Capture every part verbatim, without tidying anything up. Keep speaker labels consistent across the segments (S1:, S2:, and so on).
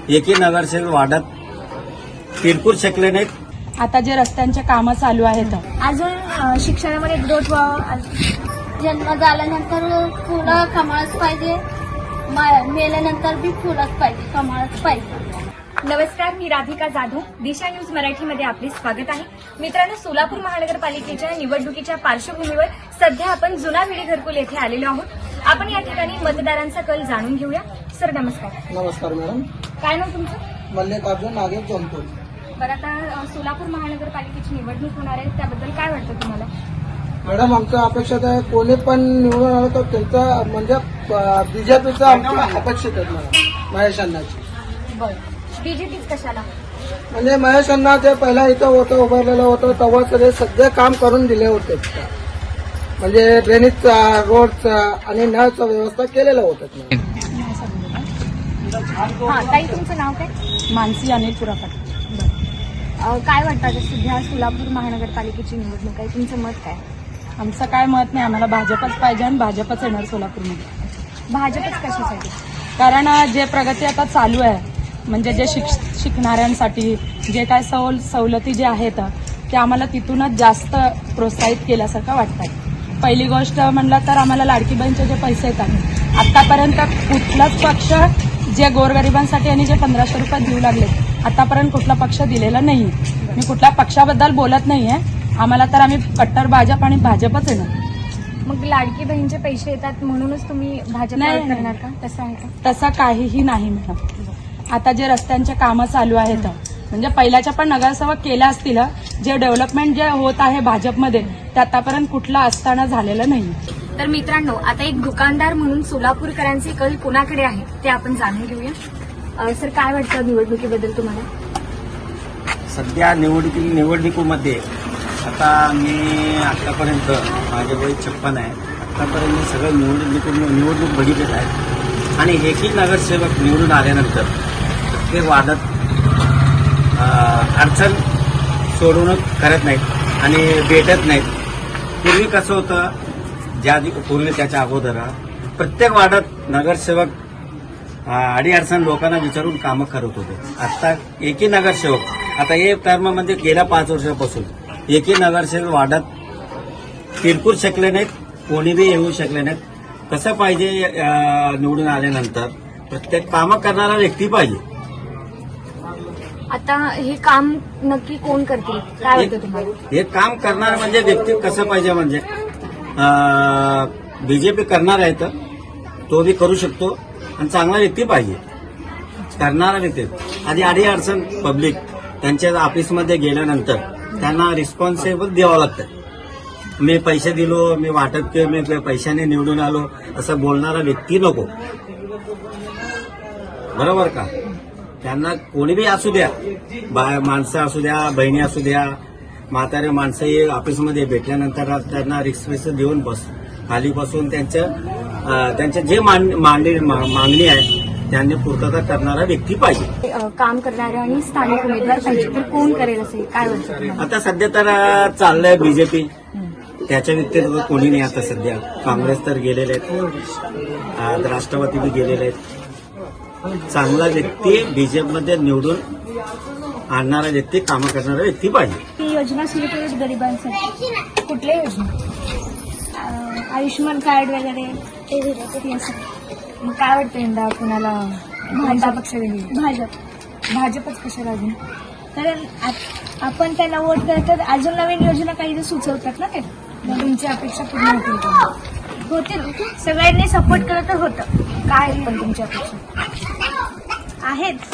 S1: एकही नगरसेवक वाढत तिरकूर शकले नाहीत.
S2: आता जे रस्त्यांचे कामं चालू आहेत
S3: अजून अ, शिक्षणामध्ये ग्रोथ व्हावं. जन्म झाल्यानंतर फुलं कमळच पाहिजे, मा- मेल्यानंतर बी फुलंच पाहिजे, कमळच पाहिजे.
S4: नमस्कार, मी राधिका जाधव. दिशा न्यूज मराठीमध्ये आपले स्वागत आहे. मित्रांनो, सोलापूर महानगरपालिकेच्या निवडणुकीच्या पार्श्वभूमीवर सध्या आपण जुना विडी घरकुल येथे आलेलो आहोत. आपण या ठिकाणी मतदारांचा कल जाणून घेऊया. सर नमस्कार.
S5: नमस्कार मॅडम.
S4: काय नाव तुमचं?
S5: मल्लिकार्जुन नागेश जमतोड.
S4: बरं, आता अ, सोलापूर महानगरपालिकेची निवडणूक होणार आहे, त्याबद्दल काय वाटतं तुम्हाला?
S5: मॅडम, आमच्या अपेक्षित आहे कोणी पण निवडून आलं तर त्यांचा म्हणजे बीजेपीचा आमची अपेक्षित आहे मॅडम. महेश अण्णाची.
S4: बरं, बीजेपीच कशाला?
S5: म्हणजे महेश अण्णा जे पहिला इथं होतं उभारलेलं होतं तेव्हा सगळे सगळे काम करून दिले होते. म्हणजे ड्रेनेजचा, रोडचा आणि नळचा व्यवस्था केलेलं होतं.
S4: हा, ताई तुमचं नाव काय?
S2: मानसी अनिल पुरापट.
S4: अ, काय वाटतं आता सध्या सोलापूर महानगरपालिकेची निवडणूक आहे, तुमचं मत काय?
S2: आमचं काय मत नाही, आम्हाला भाजपच पाहिजे आणि भाजपच येणार सोलापूरमध्ये.
S4: भाजपच कशासाठी?
S2: कारण अं, जे प्रगती आता चालू आहे म्हणजे जे शिक शिकणाऱ्यांसाठी जे काय सवल सवलती जे आहेत ते आम्हाला तिथूनच जास्त प्रोत्साहित केल्यासारखं वाटतं. पहिली गोष्ट म्हणलं तर आम्हाला लाडकी बहीणचे जे पैसे येतात आतापर्यंत कुठलाच पक्ष जे गोरगरिबांसाठी आणि जे पंधराशे रुपये देऊ लागले आतापर्यंत कुठला पक्ष दिलेला नाही. मी कुठल्या पक्षाबद्दल बोलत नाहीये, आम्हाला तर आम्ही कट्टर भाजप आणि भाजपच आहे ना.
S4: मग लाडकी बहीणचे पैसे येतात म्हणूनच तुम्ही भाजप
S2: नाही.
S4: करणार का? तसं आहे का?
S2: तसं काहीही नाही मॅडम. आता जे रस्त्यांचे कामं चालू आहेत म्हणजे पहिल्याच्या पण नगरसेवक केल्या असतील, जे डेव्हलपमेंट जे होत आहे भाजपमध्ये ते आतापर्यंत कुठलं असताना झालेलं नाही.
S4: तर मित्रांनो, आता एक दुकानदार म्हणून सोलापूरकरांचे कल कोणाकडे आहे ते आपण जाणून घेऊया. अ, सर काय वाटतं निवडणुकीबद्दल तुम्हाला?
S1: सध्या निवडणुकी निवडणुकीमध्ये आता मी आतापर्यंत माझे वय छप्पन आहे. आतापर्यंत मी सगळं निवडणूक निवडणूक बघितलेलं आहे आणि एकही नगरसेवक निवडून आल्यानंतर ते वाढत अडचण सोडवणं करत नाहीत आणि भेटत नाहीत. पूर्वी कसं होतं, ज्या आधी पूर्वी त्याच्या अगोदर प्रत्येक वार्डात नगरसेवक अडीअडचण लोकांना विचारून कामं करत होते. आता एकही नगरसेवक आता हे टर्म म्हणजे गेल्या पाच वर्षापासून एकही नगरसेवक वार्डात तिरकूर शकले नाहीत, कोणी बी येऊ शकले नाहीत. कसं पाहिजे, निवडून आल्यानंतर प्रत्येक कामं करणारा व्यक्ती पाहिजे.
S4: आता हे काम नक्की कोण करतील काय वाटतं तुम्हाला?
S1: हे काम करणार म्हणजे व्यक्ती कसं पाहिजे म्हणजे बीजेपी करणार आहे तर तो बी करू शकतो आणि चांगला व्यक्ती पाहिजे करणारा व्यक्ती. आधी आडी अडचण पब्लिक त्यांच्या ऑफिसमध्ये गेल्यानंतर त्यांना रिस्पॉन्सिबल द्यावं लागतं. मी पैसे दिलो, मी वाटप केलं, मी पैशाने निवडून आलो असं बोलणारा व्यक्ती नको. बरोबर का? त्यांना कोणी बी असू द्या, माणसं असू द्या, बहिणी असू द्या, म्हातारे माणसं ऑफिसमध्ये भेटल्यानंतर त्यांना रिक्स देऊन बस खाली बसून त्यांचं त्यांच्या जे मांडणी मागणी आहे त्यांनी पूर्तता करणारा व्यक्ती पाहिजे.
S4: अ, काम करणारे आणि स्थानिक उमेदवार पाहिजे तर कोण करेल असे काय वाटतं तुम्हाला?
S1: आता सध्या तर चाललंय बीजेपी, त्याच्या व्यतिरिक्त कोणी नाही. आता सध्या काँग्रेस तर गेलेले आहेत, राष्ट्रवादी बी गेलेले आहेत. चांगला व्यक्ती बीजेपीमध्ये निवडून आणणारा व्यक्ती, कामं करणारा व्यक्ती पाहिजे.
S3: ती योजना सुरू केली गरिबांसाठी.
S4: कुठल्या योजना?
S3: अ, आयुष्यमान कार्ड वगैरे ते दिलं असं.
S4: मग काय वाटतं यंदा कुणाला कोणता पक्ष देईल?
S3: भाजप.
S4: भाजपच कशाला अजून?
S3: कारण आप- आपण त्यांना वोट करतो तर अजून नवीन योजना काही सुचवतात ना ते.
S4: मग तुमची अपेक्षा पूर्ण होतील का?
S3: होतील. सगळ्यांनी सपोर्ट केलं तर होतं.
S4: काय आहेत पण तुमची अपेक्षा?
S3: आहेत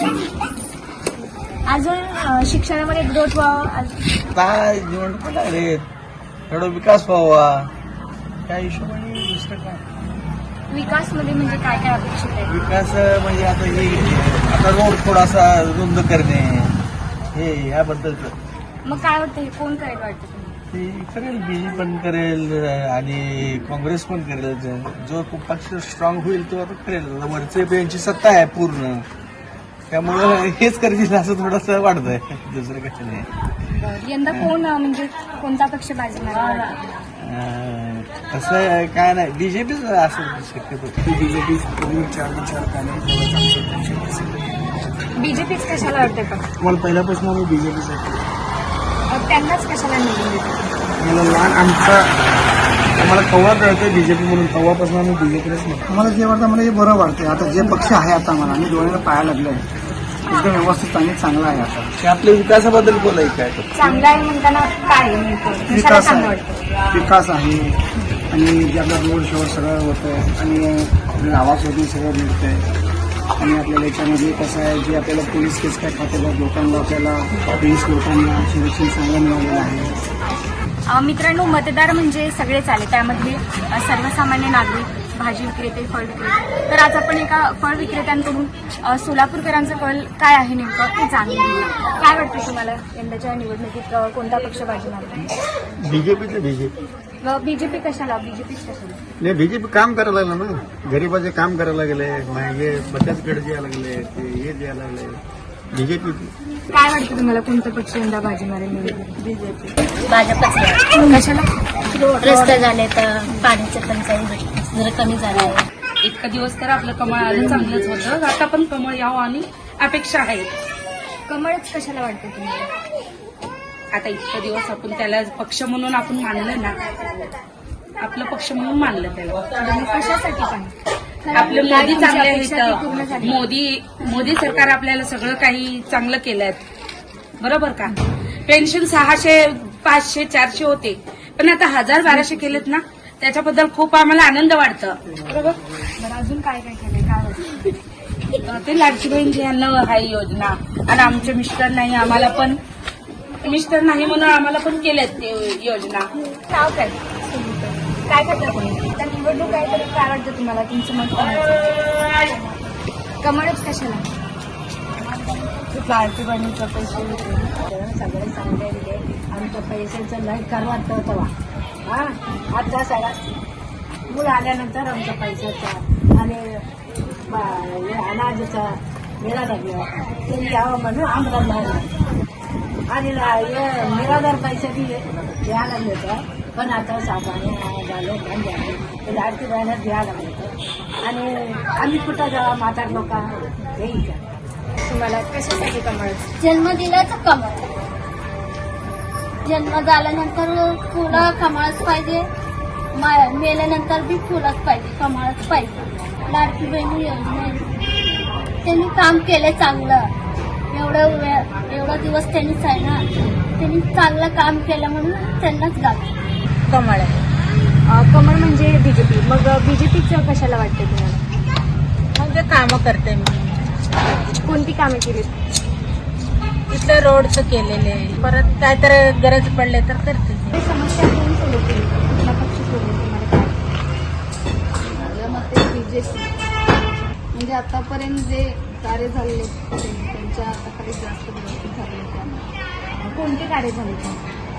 S3: अजून अ, शिक्षणामध्ये ग्रोथ व्हावं.
S5: काय निवडणूक लागले, थोडा विकास व्हावा त्या हिशोबाने दुसरं काय.
S4: विकासमध्ये म्हणजे काय काय अपेक्षित आहे?
S5: विकास म्हणजे आता हे आता रोड थोडासा रुंद करणे हे याबद्दलचं
S4: मग काय वाटतं हे कोण करेल वाटतं तुम्हाला?
S5: ते करेल, बीजेपी पण करेल आणि काँग्रेस पण करेल. जो पक्ष स्ट्रॉंग होईल तो आता करेल. वरचे यांची सत्ता आहे पूर्ण, त्यामुळं हेच करतील असं थोडंसं वाटतंय, दुसरं कसं नाही.
S4: बरं, यंदा कोण अं, म्हणजे कोणता पक्ष बाजणार?
S5: अं, तसं काय नाही, बीजेपीच असं शक्यतो.
S6: बीजेपी चार विचार
S4: बीजेपीच कशाला वाटतं का?
S5: मला पहिल्यापासून आम्ही बीजेपीसाठी
S4: अ, त्यांनाच कशाला निवडून देतो?
S5: मला लहान आमचा आम्हाला कव्वा कळतोय बीजेपी म्हणून, तेव्हापासून आम्ही बीजेपीलाच म्हणतो.
S6: मला जे वाटतं मला हे बरं वाटते. आता जे पक्ष आहे आता मला मी डोळ्याला पाया लागले एकदम व्यवस्थित आणि चांगला आहे आता.
S5: ते आपल्या विकासाबद्दल बोलाय काय
S4: चांगला आहे म्हणताना काय नेमकं? कशाला
S6: विकास
S4: चांगलं
S6: आहे
S4: वाटतं?
S6: विकास आहे आणि जे आपला रोड शो सगळं होतं आणि आपल्या आवाजवरून सगळं मिळतंय आणि आपल्याला याच्यामध्ये कसं आहे जे आपल्याला पोलीस केस काय खात्याला लोकांना आपल्याला पोलीस लोकांना संरक्षण चांगलं मिळालेलं आहे.
S4: अ, मित्रांनो, मतदार म्हणजे सगळेच आले, त्यामधले अ, सर्वसामान्य नागरिक, भाजी विक्रेते, फळ विक्रेते. तर आज आपण एका फळ विक्रेत्यांकडून अ, सोलापूरकरांचं कल काय आहे नेमकं ते जाणून घेऊया. काय वाटतं तुम्हाला यंदाच्या निवडणुकीत अ, कोणता पक्ष बाजी मारतो?
S1: बीजेपीचं बीजेपी
S4: बीजेपी कशाला? बीजेपीच कशाला?
S1: नाही बीजेपी काम करायला लागलं ना, गरीबाचे काम करायला लागले, हे बचत गट द्यायला लागले, ते हे द्यायला लागले. बीजेपी
S4: काय वाटतं तुम्हाला कोणता पक्ष यंदा बाजी मारेल? बीजेपी.
S3: भाजपच
S4: कशाला?
S3: रस्ते झाले तर पाण्याचे टंचाई जरा कमी झालं आहे.
S2: इतका दिवस तर आपलं कमळ आलं चांगलंच होतं, आता पण कमळ यावं आणि अपेक्षा आहे.
S4: कमळच कशाला वाटतं तुम्हाला?
S2: आता इतका दिवस आपण त्याला पक्ष म्हणून आपण मानलं ना, आपलं पक्ष म्हणून मानलं त्याला.
S4: तुम्ही कशासाठी पण
S2: आपलं मोदी चांगले
S4: अपेक्षा ती पूर्ण
S2: आहेत.
S4: झाली.
S2: मोदी मोदी सरकार आपल्याला सगळं काही चांगलं केलंय, बरोबर का? पेन्शन सहाशे पाचशे चारशे होते, पण आता हजार बाराशे केलेत ना, त्याच्याबद्दल खूप आम्हाला आनंद वाटतं. बरोबर.
S4: बरं, अजून काय काय केलंय? काय वाटतं?
S2: ते लाडकी बहीण यांना आहे योजना, आणि आमचे मिस्टर नाही, आम्हाला पण मिस्टर नाही म्हणून आम्हाला पण केल्यात ते योजना.
S4: नाव काय? काय करता कोणी? त्या निवडणूक आहे तर काय वाटतं तुम्हाला? तुमचं मत कोणाचं? कमळच कशाला?
S2: लाडकी बहिणीचा पैसे
S7: सगळे चांगले दिले. आमच्या पैशाचं लय कर वाटतं तेव्हा. हा आता सगळा मुलं आल्यानंतर आमच्या पैशाचा आणि ब- हे अनाजचा मेळा लागला तरी यावं म्हणून आम्हाला लागला आणि ला- हे निराधार पैसे बी द्यायला लागले होतं, पण आता साधारण झालं बंद झाले ते लाडकी बहिणीत द्यायला लागले होतं. आणि आम्ही कुठं जावा म्हातार लोक हे विचार
S4: तुम्हाला कशासाठी कमळ?
S3: जन्म दिला तर कमळ. जन्म झाल्यानंतर फुलं कमळच पाहिजे, मा- मेल्यानंतर बी फुलंच पाहिजे, कमळच पाहिजे. लाडकी बहिणी योजना त्यांनी काम केलं चांगलं. एवढं वेळ एवढा दिवस त्यांनीच आहे ना, त्यांनी चांगलं काम केलं म्हणून त्यांनाच गाव.
S4: कमळ आहे. अ, कमळ म्हणजे बीजेपी. मग बीजेपीचं कशाला वाटतं तुम्हाला?
S7: म्हणजे कामं करते मी.
S4: कोणती कामे केली?
S7: इथलं रोडचं केलेले, परत काय तर गरज पडले तर करते.
S4: हे समस्या कोण सोडवतील? कुठला पक्ष सोडवेल? तुम्हाला काय?
S8: मते बीजेपी म्हणजे आतापर्यंत जे कार्य झालेले त्यांच्या तक्रारी जास्त व्यवस्थित झाले त्यामुळे
S4: कोणते कार्य झाले का?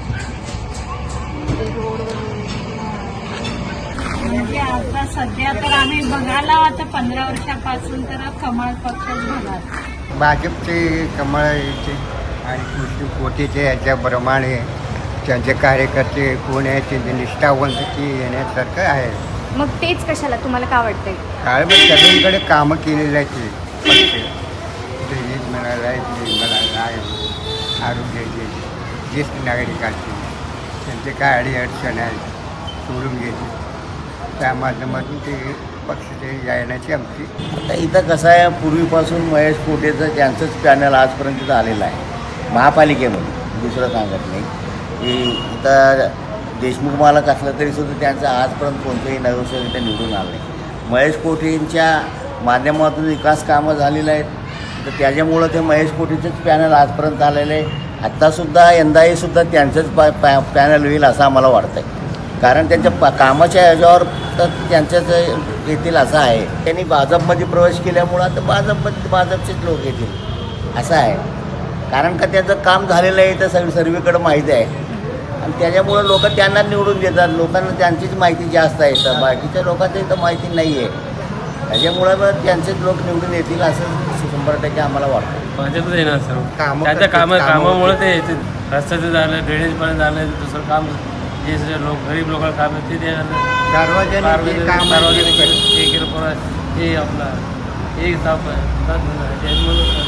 S8: ते रोड वगैरे
S7: म्हणजे आता सध्या तर आम्ही बघायला आता पंधरा वर्षापासून तर कमळ पक्षच बघा.
S9: भाजपचे कमळाचे आणि कृषी कोटीचे याच्याप्रमाणे त्यांचे कार्यकर्ते कोण आहे ते निष्ठावंतची येण्यासारखं आहे.
S4: मग तेच कशाला? तुम्हाला काय वाटतंय?
S9: काळामध्ये सगळीकडे कामं केलेली आहेत पक्ष ड्रेनेज मिळालं आहे, ते मिळालं आहे, आरोग्याचे ज्येष्ठ नागरिकांचे त्यांचे काय अडीअडचण आहे सोडून घेते, त्या माध्यमातून ते पक्षाचे येण्याची आमची.
S10: आता इथं कसं आहे, पूर्वीपासून महेश कोटेचं त्यांचंच पॅनल आजपर्यंत आलेलं आहे महापालिकेमध्ये. दुसरं सांगत नाही की इथं देशमुख मालक असलं तरी सुद्धा त्यांचं आजपर्यंत कोणतंही नगरसेवक इथं निवडून आलं नाही. महेश कोटेंच्या माध्यमातून विकास कामं झालेलं आहेत, तर त्याच्यामुळं ते महेश कोटेचंच पॅनल आजपर्यंत आलेलं आहे. आत्तासुद्धा यंदाही सुद्धा त्यांचंच पॅ पॅ पॅनल होईल असं आम्हाला वाटतं आहे. कारण त्यांच्या प कामाच्या ह्याच्यावर तर त्यांच्याच येतील असं आहे. त्यांनी भाजपमध्ये प्रवेश केल्यामुळं आता भाजपमध्ये भाजपचेच लोक येतील असं आहे. कारण का त्याचं काम झालेलं आहे तर सगळं सर्वीकडं माहिती आहे आणि त्याच्यामुळं लोक त्यांना निवडून देतात. लोकांना त्यांचीच माहिती जास्त आहे, तर बाकीच्या लोकांची तर माहिती नाही आहे. त्याच्यामुळं मग त्यांचेच लोक निवडून येतील असं शंभर टक्के आम्हाला वाटतं.
S11: भाजपच येणार सर्व
S9: कामं
S11: त्याच्या
S9: करतात,
S11: कामं
S9: कामं
S11: कामामुळे
S9: होतात.
S11: ते येते. रस्त्याचं झालं, ड्रेनेजपर्यंत झालं, दुसरं काम जे जे लोक गरीब लोकांना काम आहे ते ते झालं.
S9: सार्वजनिक जे
S11: सार्वजनिक
S9: काम आहे
S11: सार्वजनिक
S9: ते
S11: हे केलं पोरं, हे आपला हे ताप आहे, ताप झाला. त्याच्यामुळं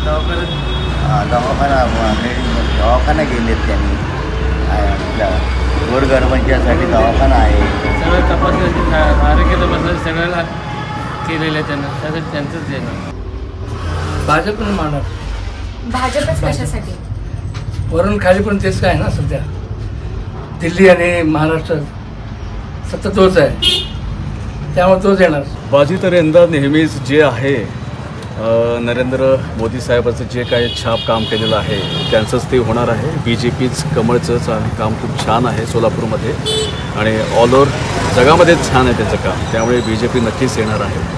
S11: दवाखान्यात
S10: अं, दवाखाना दवाखाना गेलेत त्यांनी गोरगरिबांच्यासाठी दवाखाना आहे.
S11: सगळं तपासणी आरोग्य तपासणी सगळ्याला केलेलं आहे त्यांना, त्यासाठी त्यांचंच देणं.
S12: भाजपनं मानणार
S4: भाजपच कशासाठी?
S12: वरून खाली पण तेच काय ना सध्या दिल्ली आणि महाराष्ट्र सतत तोच आहे, त्यामुळे तोच येणार.
S13: बाजी तर यंदा नेहमीच जे आहे अ, नरेंद्र मोदी साहेबाचं जे काही छाप काम केलेलं आहे त्यांचंच ते होणार आहे. बी जे पीच कमळचंच काम खूप छान आहे सोलापूरमध्ये आणि ऑल ओव्हर जगामध्येच छान आहे त्याचं काम, त्यामुळे बी जे पी नक्कीच येणार आहे.